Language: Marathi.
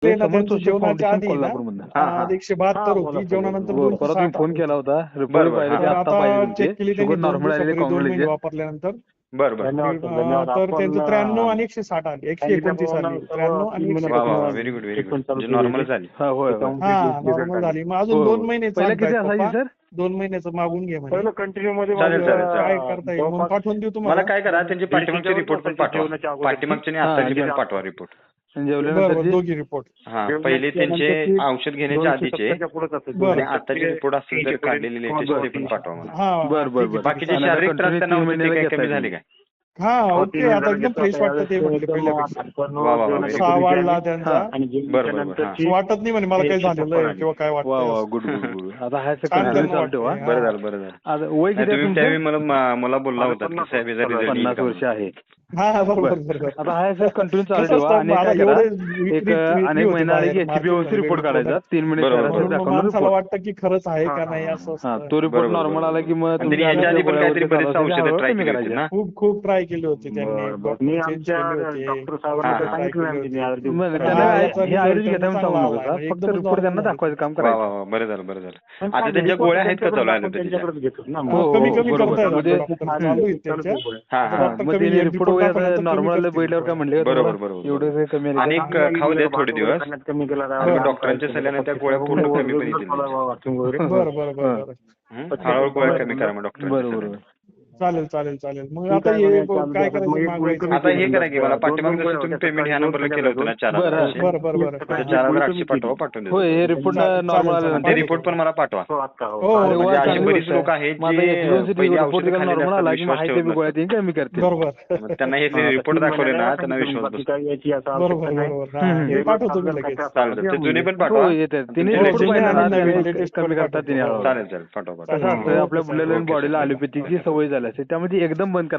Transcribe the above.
ते ना समर्थ त्यांचं जोशी जेवणाच्या फाउंडेशन आधी ना कोल्हापूरमधनं. हा, हा. 172 बोला होती, सर. जेवणानंतर हो, परत मी 260 फोन आली. केला होता. रिपोर्ट बरं, पाहिजे हा. ते तर आता आता पाहिजे होते. चेक केली शुगर त्यांनी 2 नॉर्मल आलेले दिवसापूर्वी 2 महिने कॉंग्रॅच्युलेशन. वापरल्यानंतर. बरं बरं धन्यवाद सर, धन्यवाद. तर त्यांचं 93 आपण आणि 160 आली, 129 सांगितल्याप्रमाणे आली, सर्व 93 आणि 3 वा वा वा, 129. Very good very good. Treatment चालू म्हणजे केलेली नॉर्मल आहे. झाली. हा, होय होय. त्याच्यामध्ये हा result नॉर्मल आले. झाली. मग हो, अजून हो. 2 महिने पहिला किती सांगतायत असायची पप्पा, सर? 2 महिन्याचं मागून घे म्हणे. पहिलं कंटिन्यू मध्ये चालेल, माझं, चालेल, चालेल. काय करता येईल म्हणून पाठवून देऊ मला तुम्हाला. काय करा, त्यांचे पाठीमागचे 144 रिपोर्ट पण तासाच्या पाठवा. जेवणाच्या अगोदरची. पाठीमागचे आणि हा, आताचे आणि पण पाठवा रिपोर्ट. आणि बरं जेवल्यानंतरची दोघी रिपोर्ट. हा, जेवणाच्या पहिले त्यांचे नंतरची औषध घेण्याच्या आधीचे 270 च्या पुढेच असते. बरं. आणि आताचे रिपोर्ट असतील तर काढलेले लेटेस्ट ते पण पाठवा मला. हा बर बर ठीक आहे, बर. बाकीचे आणि शारीरिक त्रास continue त्यांना 3 होते ते महिन्याला काय घेताय कमी झाले तुम्ही. काय? हा हो, ओके, 3 आता महिन्याला एकदम घेतो. फ्रेश आता वाटतं ते यावेळेस म्हटले एकदम पहिल्यापेक्षा. आठवण वा, वा, वा, जेवणाच्या very उत्साह पूर्वीची वाढला आणि- त्यांचा. हा. आणि बरं, जेवणाच्या बरं, बरं. नंतरची असं वाटत नाही म्हणे मला काही एक झालेलं आहे आली. किंवा काय वा वा, वाटतं. Good good good. आता हा छान कंटिन्यू त्यांना चालू ठेवा. वाटतंय. बरं झालं बरं झालं. आता वय नाही, किती आहे तुम्ही तुमचं? त्यावेळी मला बोलला होता की साहेब याचा रिझल्ट 50 वर्ष आहे. हा हा, बरोबर बरं. बरोबर. आता हा सर कंटिन्यू चालू कसं ठेवा असतं, आणि मला काय करा, एवढे एक विक्री अनेक होती महिना आले की बाहेर एचबीओसी मार्केटमध्ये रिपोर्ट वेगवेगळ्या काढायचा 3 महिने बरोबर, शहराचा म्हणून मग दाखवून माणसाला रिपोर्ट. वाटतं की खरंच आहे का हा, नाही हा, असं हा, असतं. तो रिपोर्ट बरोबर, नॉर्मल बरोबर. आला की मग आणि तुमच्या त्यांनी ह्याच्या आधी पण काहीतरी बरेच गोळ्यावरती औषधं हळूहळू ट्राय कमी केली होती करायच्या. ना. खूप ट्राय केली होती त्यांनी. बरं, बरं. डॉक्टर मी चेंज आमच्या केले होते. डॉक्टर हा, साहेबांना हा. सांगितलं आमची मग निहार त्यांना हा, हे याचा result आयुर्वेदिक घेताना त्यांना सांगू चांगला नका आलाय. फक्त एकदमच रिपोर्ट त्यांना normal दाखवायचं काम वा वा करायचं. वा, बरं झालं बरं झालं. पण आता काय त्यांच्या report गोळ्या आहेत का त्यांच्याकडे चालू आपण ॲलोपॅथीच्या? त्यांच्याकडेच घेतो ना. हो, कमी हो, कमी बरोबर. करतायत म्हणजे डॉक्टर चालू आहेत त्यांच्या. हा आता हा. डॉक्टर मग कमी ते एक रिपोर्ट report वगैरे दाखवल्यानंतर कमी नॉर्मल करतील बैठल्यावर काय गोळ्या. म्हणले का बरोबर, तुम्हाला? बरोबर, एवढं बरोबर. काही कमी आले आणि का? एक खाऊ द्या थोडे दिवस. कमी केला आणि मग डॉक्टरांच्या सल्ल्याने त्या गोळ्या पूर्ण कमी पण येतील. बरं बरं बरं बरं. हळूहळू गोळ्या कमी करा मग डॉक्टरांच्या बरोबर. सल्ल्याने. चालेल चालेल चालेल. मग ठीक आता आहे, हे म्हणे, चालू काय द्या. मग करायचं एक मागवायचं. गोळी आता हे करा की मला दोन पाठीमाग गोळ्या जसं तुम्ही होत्या. पेमेंट ह्या सकाळी नंबरला दोन केलं होतं ना बरं. 4,000. बरं बरं बरं. त्या 4,000 800 पाठवून देतो. होय, हे रिपोर्ट चालेल, नॉर्मल चालेल. आल्यानंतर ते रिपोर्ट पण मला पाठवा. हो, आता हो. हो, अरे वा, म्हणजे अशी चांगली बरीच गोष्ट लोक आहे. आहेत माझा जे HbA1c पहिली रिपोर्ट औषधं खाल्लेली नॉर्मल असतात, आला की विश्वास माहिती ठेवत बी गोळ्या नसतात. ते कमी करतील. बरोबर मग त्यांना हे हा, रिपोर्ट तीन दाखवले ना महिन्याला त्यांना सांगितलं विश्वास बाकी बसतो. काही याची असं बरोबर आवश्यकता नाही. बरोबर. हा, हम्म. हे पाठवतो मी लगेच. चालेल ते जुने पण हो पाठवा. येतात तिने तुमचे हो, रिपोर्ट जुने पाहिजे आणि ना नवीन त्याने latest कमी पण करतात तिने पाठवतो. हळूहळू. चालेल चालेल पाठवा पाठवा. कसं असतं ओके, आपल्या सर. ब्लड ओके, बॉडीला सर. ॲलोपॅथीची सवय झाली असते त्यामध्ये एकदम बंद